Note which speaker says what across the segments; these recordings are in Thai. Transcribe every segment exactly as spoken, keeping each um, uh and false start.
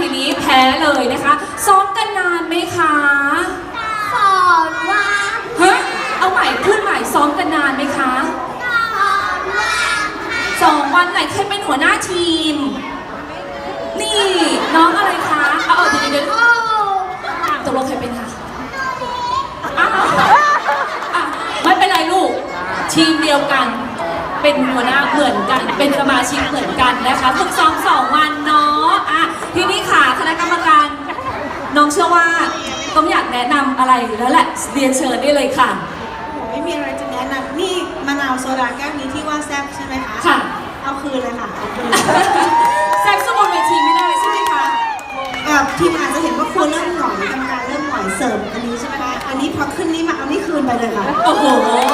Speaker 1: ทีนี้แพ้เลยนะคะซ้อมกันนานไหมคะ
Speaker 2: สอนว่า
Speaker 1: เฮ้ยเอาใหม่พูดใหม่ซ้อมกันนานไหมคะ
Speaker 2: สอนว่า
Speaker 1: สองวันไหนใครเป็นหัวหน้าทีมนี่น้องอะไรคะเอาเอาเดี๋ยวเดี๋ยวตกลงใครเป็นคะอ้าวอ่ะไม่เป็นไรลูกทีมเดียวกันเป็นหัวหน้าเหมือนกันเป็นสมาชิกเหมือนกันนะคะฝึกซ้อมสองวันเนาะอ่ะทีนี้ค่ะคณะกรรมการน้องเชื่อว่าต้องอยากแนะนำอะไรแล้วแหละเรียนเชิญได้เลยค่ะ
Speaker 3: ไม่มีอะไรจะแนะนำนี่มะนาวโซดาแก้วนี้ที่ว่าแซ่บใช่ไหมคะ
Speaker 1: ค่ะ
Speaker 3: เอาคืนเลยค่ะเอาคืน
Speaker 1: แซ่บสมบูรณ์เวทีไม่ได้ใช่ไหมคะ
Speaker 3: แบบทีมอาจจะเห็นว่าครัวเริ่มหน่อยกรรมการเริ่มหน่อยเสิร์ฟอันนี้ใช่ไหมคะอันนี้พอขึ้นนี้มาเอานี่คืนไปเลยค่ะ
Speaker 1: โอ้โห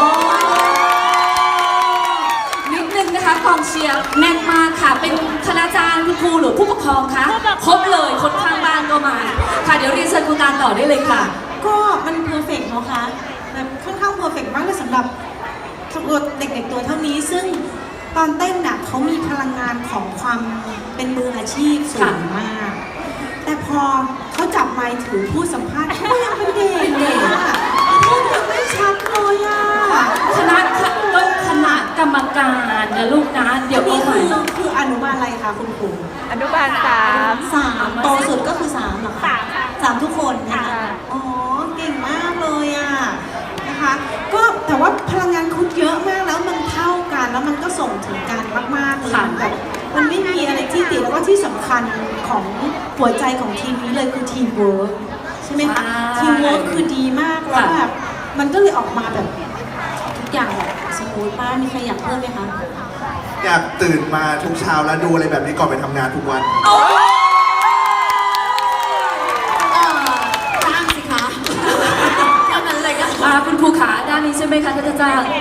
Speaker 1: นิดนึงนะคะกองเชียร์แน่นมากค่ะเป็นคณาจารย์คุณครูหรือผู้ปกครองคะครบเลยคนข้างบ้านก็มาค่ะเดี๋ยวเรียนเชิญคุณตาต่อได้เลยค่ะ
Speaker 3: ก็มันเพอร์เฟกต์เนาะคะแบบค่อนข้างเพอร์เฟกต์มากเลยสำหรับตัวเด็กๆตัวเท่านี้ซึ่งตอนเต้นน่ะเขามีพลังงานของความเป็นมืออาชีพสูงมากแต่พอเขาจับไมค์ถือพูดสัมภาษณ์เขายังเป็นเด็กเด็กอะพูดยังไม่ชัดเลยอะ
Speaker 1: คณะก็คณะกรรมการนะลูกนะเดี๋ยว
Speaker 3: นี้
Speaker 1: คือ
Speaker 3: คืออนุบาลอะไรคะคุณครู
Speaker 4: อนุบาลสาม
Speaker 3: สามโตสุดก็คือสามเหรอคะ
Speaker 4: สามค่ะ
Speaker 3: สามทุกคนนะคะอ๋อเก่งมากเลยอะนะคะก็แต่ว่าพลังงานคุณเยอะมากแล้วมันเท่ากันแล้วมันก็ส่งถึงกันมากๆเลยแบบมันไม่มีอะไรที่ติดแล้วก็ที่สำคัญของหัวใจของทีมนี้เลยคือทีมเวิร์กใช่ไหมคะทีมเวิร์กคือดีมากแล้วแบบมันก็เลยออกมาแบบทุกอย่างแบบสมูทป้ามีใครอยากเพิ่มไหมคะ
Speaker 5: อยากตื่นมาทุกเช้าแล้วดูอะไรแบบนี้ก่อนไปทำงานทุกวัน
Speaker 1: จ้างสิคะแค่นั้นเลยค่ะคุณครูขาด้านนี้ใช่ไหมคะท่านอาจารย์